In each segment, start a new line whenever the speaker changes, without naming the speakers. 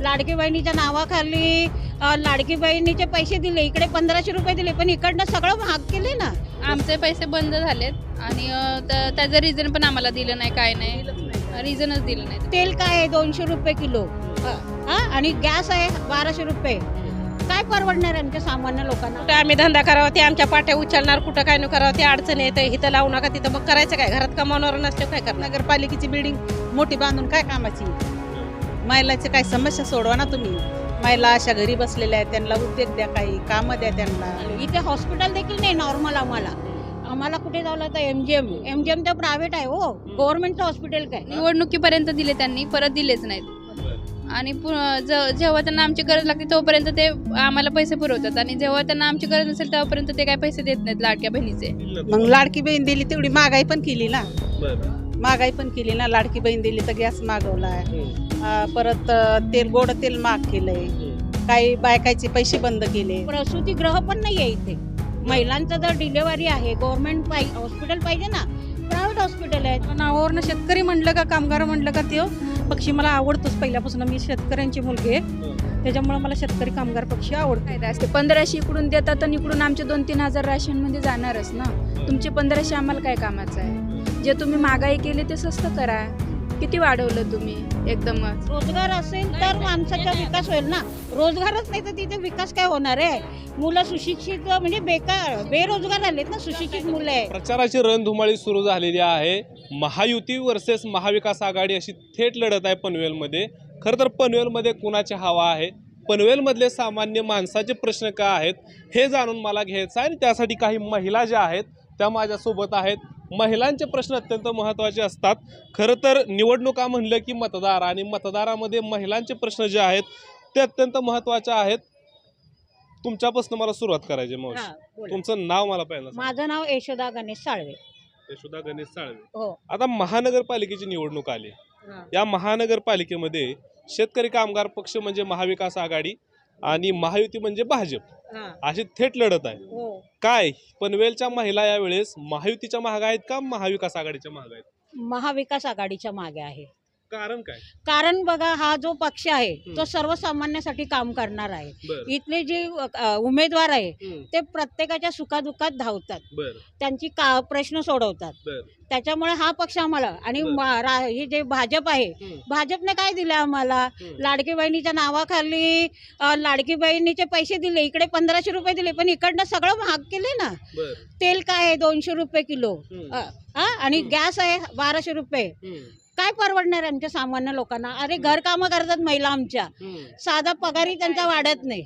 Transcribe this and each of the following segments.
लाडकी बहिणीच्या नावाखाली लाडकी बहिणीचे पैसे दिले, इकडे 1500 रुपये दिले, पण इकडनं सगळं महाग केले ना.
आमचे पैसे बंद झालेत आणि त्याचं रिझन पण आम्हाला दिलं नाही, काय नाही, रिझनच दिलं नाही.
तेल काय आहे 200 रुपये किलो, आणि गॅस आहे 1200 रुपये. काय परवडणार आमच्या सामान्य लोकांना?
कुठं आम्ही धंदा करावा ते आमच्या पाट्या उचलणार, कुठं काय न करावं ते अडचण येते. इथं लावू नका तिथं, मग करायचं काय? घरात कमावणार नसले काय करणार?
नगरपालिकेची बिल्डिंग मोठी बांधून काय कामाची? महिलाची काय समस्या सोडवा ना तुम्ही. महिला अशा घरी बसलेल्या आहेत, त्यांना उद्योग द्या, काही कामं द्या त्यांना.
इथे हॉस्पिटल देखील नाही नॉर्मल. आम्हाला कुठे जावं लागतं? एमजीएम तर प्रायव्हेट आहे हो, गव्हर्नमेंटचं हॉस्पिटल काय?
निवडणुकीपर्यंत दिले त्यांनी, परत दिलेच नाहीत. आणि जेव्हा त्यांना आमची गरज लागते तोपर्यंत ते आम्हाला पैसे पुरवतात, आणि जेव्हा त्यांना आमची गरज नसेल तेव्हापर्यंत ते काय पैसे देत नाहीत लाडक्या बहिणीचे.
मग लाडकी बहीण दिली तेवढी महागाई पण केली ना. महागाई पण केली ना. लाडकी बहीण दिली तर गॅस मागवलाय, परत गोड तेल महाग केलंय, काही बायकाचे पैसे बंद केले.
प्रसूतिगृह पण नाही आहे इथे. महिलांचं जर डिलेव्हरी आहे, गव्हर्नमेंट हॉस्पिटल पाहिजे ना, प्रायव्हेट हॉस्पिटल आहे.
नावावरनं शेतकरी म्हणलं का कामगार म्हणलं का ते पक्षी मला आवडतोच पहिल्यापासून. मी शेतकऱ्यांची मुलगी आहे, त्याच्यामुळे मला शेतकरी कामगार पक्षी आवडतो.
फायदा असते 1500 इकडून देतात आणि इकडून आमचे 2-3 हजार राशनमध्ये जाणारच ना. तुमचे 1500 आम्हाला काय कामाचं आहे? जे तुम्ही महागाई केली ते स्वस्त करा. किती वाढवलं तुम्ही एकदमच?
रोजगार असेल तर माणसाचा विकास होईल ना. रोजगारच नाही तर तिथे विकास काय होणार आहे? मुलं सुशिक्षित म्हणजे बेरोजगार झालेत ना, सुशिक्षित मुलं आहे.
प्रचाराची रणधुमाळी सुरू झालेली आहे. महायुती वर्सेस महाविकास आघाडी अशी थेट लढत आहे पनवेलमध्ये. खरं तर पनवेलमध्ये कुणाची हवा आहे, पनवेलमधले सामान्य माणसाचे प्रश्न काय आहेत हे जाणून मला घ्यायचं आहे. आणि त्यासाठी काही महिला ज्या आहेत त्या माझ्यासोबत आहेत. महिलांचे प्रश्न अत्यंत महत्त्वाचे असतात. खरं तर निवडणुका म्हणलं की मतदार, आणि मतदारामध्ये महिलांचे प्रश्न जे आहेत ते अत्यंत महत्त्वाचे आहेत. तुमच्यापासून मला सुरुवात करायची. मावशी, तुमचं नाव मला पहिलं.
माझं नाव यशोदा गणेश साळवे.
यशोदा गणेश साळवे.
हो.
आता महानगरपालिकेची निवडणूक आली. या महानगरपालिकेमध्ये शेतकरी कामगार पक्ष म्हणजे महाविकास आघाडी आणि महायुती म्हणजे भाजप अशी थेट लढत आहे. काय पनवेलच्या महिला यावेळेस महायुतीच्या मागे आहेत का महाविकास आघाडीच्या मागे आहेत?
महाविकास आघाडीच्या मागे आहे.
कारण काय?
कारण बघा, हा जो पक्ष आहे तो सर्वसामान्यासाठी काम करणार आहे. इथले जे उमेदवार आहे ते प्रत्येकाच्या सुखादुःखात धावतात, त्यांची प्रश्न सोडवतात. त्याच्यामुळे हा पक्ष आम्हाला, आणि हे जे भाजप आहे, भाजपने काय दिलं आम्हाला? लाडकी बहिणीच्या नावाखाली लाडकी बहिणीचे पैसे दिले, इकडे 1500 रुपये दिले, पण इकडनं सगळं महाग केले ना. तेल काय आहे 200 रुपये किलो, आणि गॅस आहे 1200 रुपये. काय परवडणार आमच्या सामान्य लोकांना? अरे घरकामं करतात महिला आमच्या, साधा पगारही त्यांचा वाढत नाही.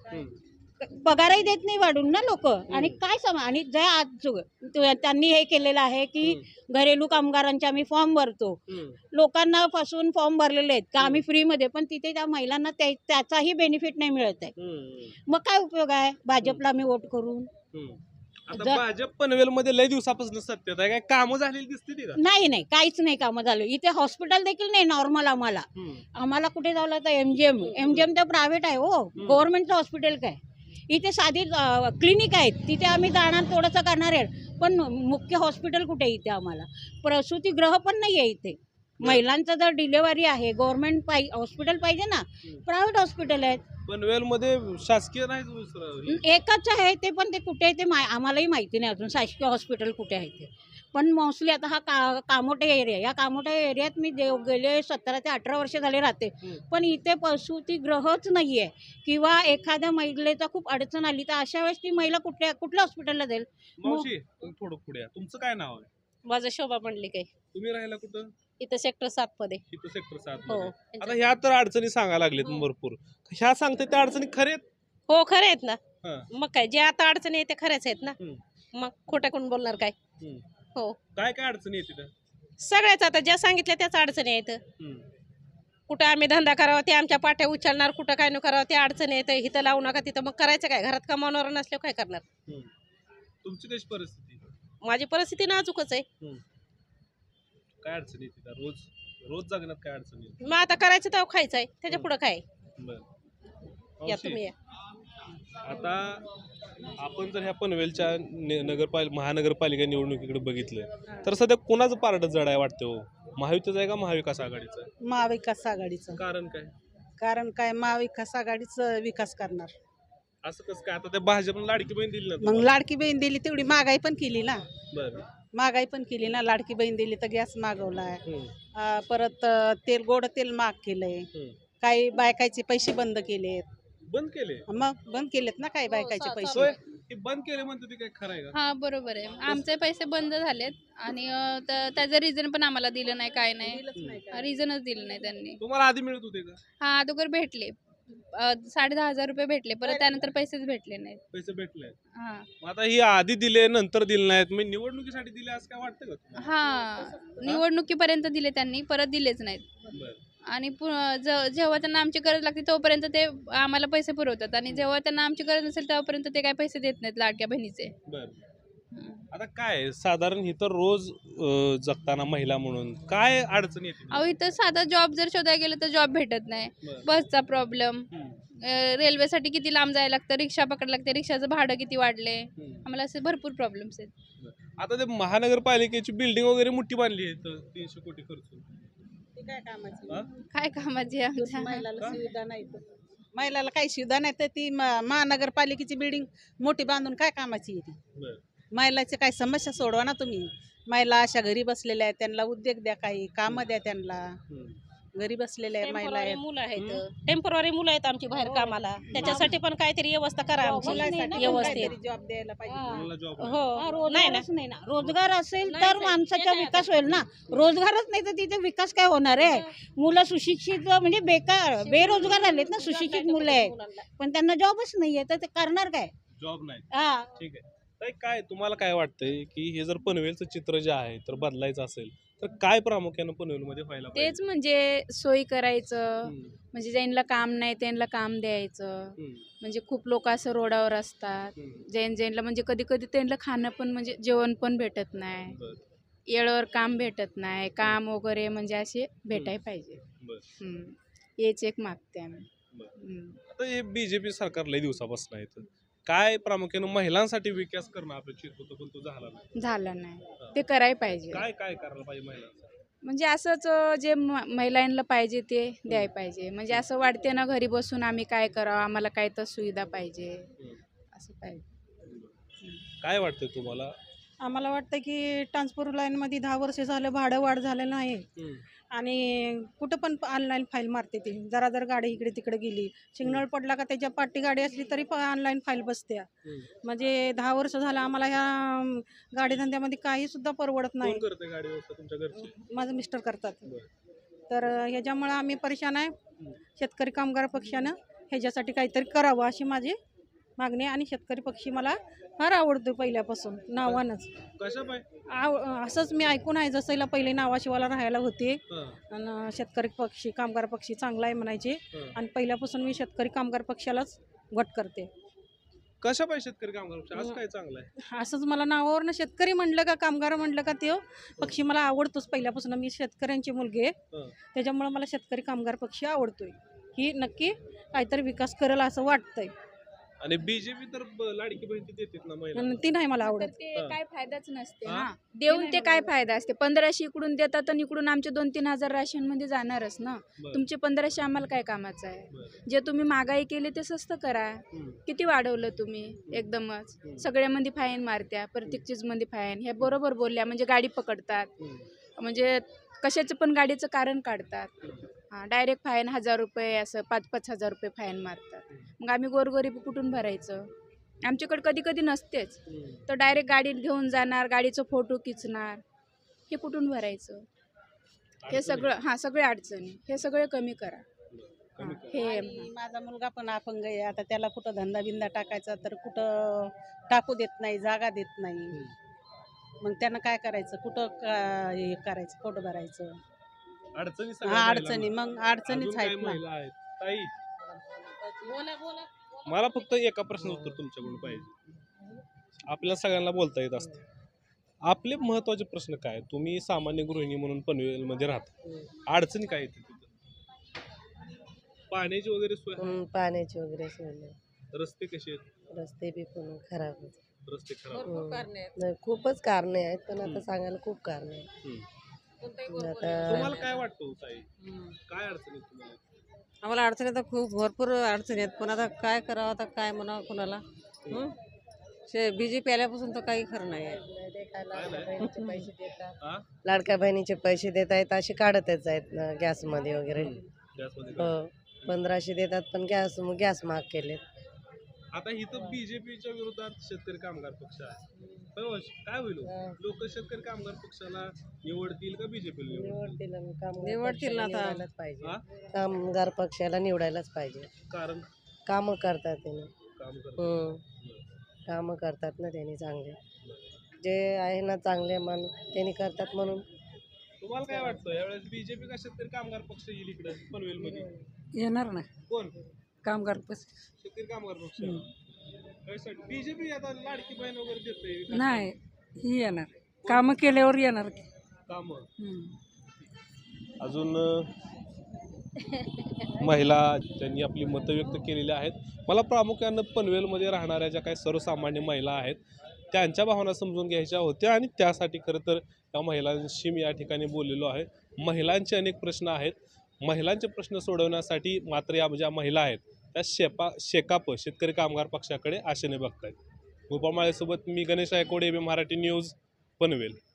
पगारही देत नाही वाढून ना लोक. आणि काय आणि त्यांनी हे केलेलं आहे की घरेलू कामगारांचे आम्ही फॉर्म भरतो, लोकांना फसवून फॉर्म भरलेले आहेत का आम्ही फ्रीमध्ये, पण तिथे त्या महिलांना त्याचाही बेनिफिट नाही मिळत आहे. मग काय उपयोग आहे भाजपला आम्ही वोट करून?
आता भाजप पनवेलमध्ये लय दिवसापासून सत्तेत आहे. काय कामं झालेली दिसते ती का?
नाही, काहीच नाही कामं झालं. इथे हॉस्पिटल देखील नाही नॉर्मल. आम्हाला कुठे जावं लागतं? एमजीएम तर प्रायव्हेट आहे हो, गव्हर्नमेंटचं हॉस्पिटल काय? इथे साधी क्लिनिक आहेत, तिथे आम्ही जाणार, थोडंसं करणार आहे, पण मुख्य हॉस्पिटल कुठे आहे? इथे आम्हाला प्रसूतिगृह पण नाही आहे इथे. महिलांचं जर डिलेव्हरी आहे, गव्हर्नमेंट हॉस्पिटल पाहिजे ना, प्रायव्हेट हॉस्पिटल आहेत.
पनवेलमध्ये शासकीय नाही,
एकच आहे ते, पण ते कुठे आहे ते आम्हालाही माहिती नाही अजून, शासकीय हॉस्पिटल कुठे आहे ते. पण मोस्टली आता हा कामोठे एरिया, या कामोठे एरियात मी गेले 17 ते 18 वर्ष झाले राहते, पण इथे प्रसूतिगृहच नाही आहे. किंवा एखाद्या महिलेचा खूप अडचण आली तर अशा वेळेस ती महिला कुठल्या हॉस्पिटलला जाईल?
मावशी थोडं पुढे, तुमचं काय नाव आहे?
माझं शोभा म्हणली काय.
तुम्ही राहायला कुठं?
इथं सेक्टर 7 मध्ये.
इथं सेक्टर 7 मध्ये. आता ह्या तर अडचणी सांगायला लागलेत भरपूर. ह्या सांगते त्या अडचणी खरे आहेत?
हो, खरे आहेत ना. मग काय, जे आता अडचणी आहेत ते खऱ्याच आहेत ना. मग खोटं कोण बोलणार काय? हो.
काय अडचणी आहेत तिथं?
सगळ्याच आता ज्या सांगितल्या त्याच अडचणी आहेत. कुठं आम्ही धंदा करावा ते आमच्या पाट्या उचलणार, कुठं काय न करावं ते अडचणी आहेत. इथं लावू नका तिथं, मग करायचं काय? घरात कमावणार नसल्यावर काय करणार?
तुमची कशी परिस्थिती?
माझी परिस्थिती नाजूकच आहे.
काय अडचणी तिथं? रोज जगण्यात काय अडचणी?
मग आता करायचं तर खायचं आहे, त्याच्या पुढं काय? या तुम्ही या.
आता आपण जर ह्या पनवेलच्या महानगरपालिका निवडणुकीकडे बघितलं तर सध्या कोणाचं पारड जड आहे वाटतं हो? महायुतीचं आहे का महाविकास आघाडीचं?
महाविकास आघाडीचं.
कारण काय?
कारण काय महाविकास आघाडीच विकास करणार.
असं कसं काय? आता त्या भाजपनं लाडकी बहीण दिली ना
मग
तुम्हाला.
लाडकी बहीण दिली तेवढी महागाई पण केली ना.
बरं.
महागाई पण केली ना. लाडकी बहीण दिली तर गॅस मागवलाय.
हम्म,
परत तेल गोड तेल महाग केलंय.
हम्म.
काही बायकाचे पैसे बंद केलेत.
बंद केले
मग बंद केलेत ना काही बायकाचे पैसे.
होय? हे बंद केले म्हणते ते काय खरं आहे का?
हा बरोबर आहे. आमचे पैसे बंद झालेत आणि त्याचं रिझन पण आम्हाला दिलं नाही, काय नाही, रिझनच दिलं नाही त्यांनी.
तुम्हाला आधी मिळत होते का
हा अगोदर भेटले 10,500 रुपये भेटले, परत त्यानंतर पैसेच भेटले नाहीत.
पैसे भेटले?
हा
मग आता ही आधी दिले नंतर दिले नाहीत, मी निवडणुकीसाठी दिले असं काय वाटतं का तुम्हाला?
हा निवडणुकीपर्यंत दिले त्यांनी, परत दिलेच नाहीत.
बरं.
आणि जेव्हा त्यांना आमची गरज लागते तोपर्यंत ते आम्हाला पैसे पुरवतात आणि जेव्हा त्यांना आमची गरज नसेल तेव्हापर्यंत ते काय पैसे देत नाहीत लाडक्या बहिणीचे.
बरं. आता काय आहे, साधारण इथं रोज जगताना महिला म्हणून काय अडचण येते?
अहो इथं साधा जॉब जर शोधायला गेलं तर जॉब भेटत नाही,
बरं.
बसचा प्रॉब्लेम,
हम्म,
रेल्वेसाठी किती लांब जायला लागतं, रिक्षा पकडायला लागते, रिक्षाचं भाडं किती वाढले,
हम्म.
आम्हाला असे भरपूर प्रॉब्लेम्स आहेत.
आता ते महानगरपालिकेची बिल्डिंग वगैरे मोठी बांधली आहे इथं 300 कोटी खर्च.
ते काय कामाची?
हा?
काय कामाची आहे आमच्या?
महिलाला सुविधा नाही तर. महिलाला काही सुविधा नाही तर ती महानगरपालिकेची बिल्डिंग मोठी बांधून काय कामाची आहे ती?
बरं.
महिलाची काही समस्या सोडवा ना तुम्ही. महिला अशा घरी बसलेल्या आहेत, त्यांना उद्योग द्या, काही कामं द्या त्यांना.
हम्म.
घरी बसलेल्या महिला
टेम्पोररी
आहेत.
मुलं आहेत, टेम्पोररी मुलं आहेत आमची बाहेर कामाला, त्याच्यासाठी पण काहीतरी व्यवस्था करा आमची
मुलांसाठी पण
व्यवस्थित.
काहीतरी जॉब द्यायला पाहिजे.
मुलाला job नाही.
हो नाही ना.
रोजगारच नाही ना. रोजगार असेल
नाही,
तर
नाही.
माणसाचा
ते नाही
विकास होईल ना. रोजगारच नाही तर तिथे विकास काय होणार आहे? मुलं सुशिक्षित म्हणजे बेकार बेरोजगार झालेत ना. सुशिक्षित मुलं आहेत पण त्यांना जॉबच नाहीये तर ते करणार काय?
जॉब नाही.
हा.
ठीक आहे. ताई, काय तुम्हाला काय वाटतंय की हे जर पनवेलचं चित्र जे आहे तर बदलायचं असेल तर काय प्रामुख्यानं पनवेलमध्ये व्हायला
तेच म्हणजे सोयी करायचं,
हम्म,
म्हणजे ज्यांना काम नाही त्यांना काम द्यायचं.
हम्म,
म्हणजे खूप लोक असं रोडावर असतात,
हम्म.
ज्यांना म्हणजे कधी कधी त्यांना खाणं पण म्हणजे जेवण पण भेटत नाही,
बरं,
येळेवर काम भेटत नाही, काम वगैरे म्हणजे असे भेटायला पाहिजे.
बरं,
हम्म. हेच एक मागते आम्ही.
बरं.
हम्म.
आता हे बीजेपी सरकार लई दिवसापासून आहे तर काय प्रामुख्यानं महिलांसाठी विकास करणं अपेक्षित होतं पण तो झाला नाही.
झालं नाही, ते करायला पाहिजे.
काय काय करायला पाहिजे महिलांसाठी?
म्हणजे असंच जे महिलांना पाहिजे ते द्यायला पाहिजे. म्हणजे असं वाटते ना घरी बसून आम्ही काय करावं, आम्हाला काय तर सुविधा पाहिजे,
हम्म.
असं पाहिजे.
काय वाटतंय तुम्हाला?
आम्हाला वाटतं की ट्रान्सपोर्ट लाईनमध्ये 10 वर्ष झालं भाडं वाढ झालेलं आहे
हम्म,
आणि कुठं पण ऑनलाईन फाईल मारते ती. जर गाडी इकडे तिकडे गेली, सिग्नल पडला का त्याच्या पाठी गाडी असली तरी ऑनलाईन फाईल बसते.
हम्म.
म्हणजे 10 वर्ष झालं आम्हाला ह्या गाडी धंद्यामध्ये काही सुद्धा परवडत नाही.
कोण करते गाडी व्यवस्था तुमच्या घरची?
माझं मिस्टर करतात.
बरं.
तर ह्याच्यामुळं आम्ही परेशान आहे. शेतकरी कामगार पक्षानं ह्याच्यासाठी काहीतरी करावं अशी माझी मागणी आहे. आणि शेतकरी पक्षी मला फार आवडतो पहिल्यापासून नावानंच.
कशा पाय?
असंच मी ऐकून आहे, जसं पहिले नावाशिवाला राहायला होते
हा,
आणि शेतकरी पक्षी कामगार पक्षी चांगला आहे म्हणायचे.
हा.
आणि पहिल्यापासून मी शेतकरी कामगार पक्षालाच वट करते.
कशा पाय शेतकरी कामगार पक्ष? असं काय चांगलं आहे?
असंच मला नावावरनं शेतकरी म्हणलं का कामगार म्हणलं का ते पक्षी मला आवडतोच पहिल्यापासून. मी शेतकऱ्यांची मुलगी आहे,
हा.
त्याच्यामुळं मला शेतकरी कामगार पक्षी आवडतोय. ही नक्की काहीतरी विकास करेल असं वाटतंय.
आणि बीजेपी तर लाडकी बहीण ती देतात ना महिला.
आणि ती नाही मला आवडत.
ते
हा.
काय फायदाच नसते
हा?
ना. देऊन ते काय फायदा असते? 1500 इकडून देतात आणि इकडून आमचे 2-3 हजार राशन मध्ये जाणारच ना.
बरं,
तुमचे 1500 आम्हाला काय कामाचं आहे?
बरं.
जे तुम्ही महागाई केली ते स्वस्त करा.
हम्म,
किती वाढवलं तुम्ही एकदमच? सगळ्यामध्ये फाईन मारत्या, प्रत्येक चीजमध्ये फाईन. हे बरोबर बोलल्या म्हणजे गाडी पकडतात,
हम्म,
म्हणजे कशाचं पण गाडीचं कारण काढतात.
हम्म.
हां, डायरेक्ट फाईन 1000 रुपये असं 5-5 हजार रुपये फाईन मारतात. मग आम्ही गोरगरीब कुठून भरायचं? आमच्याकडे कधी कधी नसतेच,
हम्म.
तर डायरेक्ट गाडीत घेऊन जाणार, गाडीचं फोटो खिचणार, हे कुठून भरायचं? हे सगळं हां सगळे अडचणी हे सगळे कमी करा.
कमी
हां, हे
आणि माझा मुलगा पण अपंग आहे. आता त्याला कुठं धंदा बिंदा टाकायचा तर कुठं टाकू देत नाही, जागा देत नाही. मग त्यानं काय करायचं? कुठं हे करायचं? पोट भरायचं?
अडचणी सगळ्या
हा,
महिलांना.
अडचणी मग अडचणीच
अजून काय
आहेत ना.
महिला आहेत? ताई, मला फक्त एका प्रश्नाचं उत्तर तुमच्याकडून पाहिजे. आपल्या सगळ्यांना बोलता येत असते. आपले महत्वाचे प्रश्न काय? तुम्ही सामान्य गृहिणी म्हणून पनवेलमध्ये राहता, अडचणी काय येते तिथं? पाण्याची वगैरे सोय आहे?
पाण्याची वगैरे सोय नाही.
रस्ते कसे आहेत?
रस्ते बी पण खराब आहेत.
रस्ते खराब.
नाही, खूपच कारणे आहेत पण आता सांगायला खूप कारणे आहेत.
हम्म.
आता
तुम्हाला काय वाटतं ताई? काय अडचणी आहेत तुम्हाला?
आम्हाला अडचणी तर खूप भरपूर अडचणी आहेत, पण आता काय करावं, आता काय म्हणावं कुणाला. BJP आल्यापासून तर काही खरं नाही आहे.
पैसे देतात
हा?
लाडक्या बहिणीचे पैसे देत आहेत असे काढतच आहेत ना गॅसमध्ये वगैरे.
गॅसमध्ये
हो 1500 देतात पण गॅस महाग केले.
आता इथं बीजेपीच्या विरोधात शेतकरी कामगार पक्ष आहे. हो, काय होईल लोक शेतकरी कामगार पक्षाला निवडतील का बीजेपीला निवडतील?
निवडतील ना आता.
निवडायलाच पाहिजे.
हा?
कामगार पक्षाला निवडायलाच पाहिजे.
कारण
कामं करतात त्यांनी.
काम करतात.
कामं करतात ना त्यांनी चांगले. जे आहे ना चांगले मन त्यांनी करतात म्हणून.
तुम्हाला काय वाटतं यावेळेस बीजेपी का शेतकरी कामगार पक्ष येईल इकडे पनवेल मध्ये?
येणार ना
कोण?
कामगार
शेतकरी कामगार पक्ष. बीजेपी आता लाडकी बहीण वगैरे देते
नाही ही येणार कामं केल्यावर येणार
काम. अजून महिला त्यांनी आपली मतं व्यक्त केलेली आहेत. मला प्रामुख्यानं पनवेलमध्ये राहणाऱ्या ज्या काही सर्वसामान्य महिला आहेत त्यांच्या भावना समजून घ्यायच्या होत्या आणि त्यासाठी खरं तर त्या महिलांशी मी या ठिकाणी बोललेलो आहे. महिलांचे अनेक प्रश्न आहेत. महिलांचे प्रश्न सोडवण्यासाठी मात्र या ज्या महिला आहेत त्या शेकाप शेतकरी कामगार पक्षाकडे आशेने बघतायत. गोपाळ माळेसोबत मी गणेश आयकोडे, AB मराठी न्यूज, पनवेल.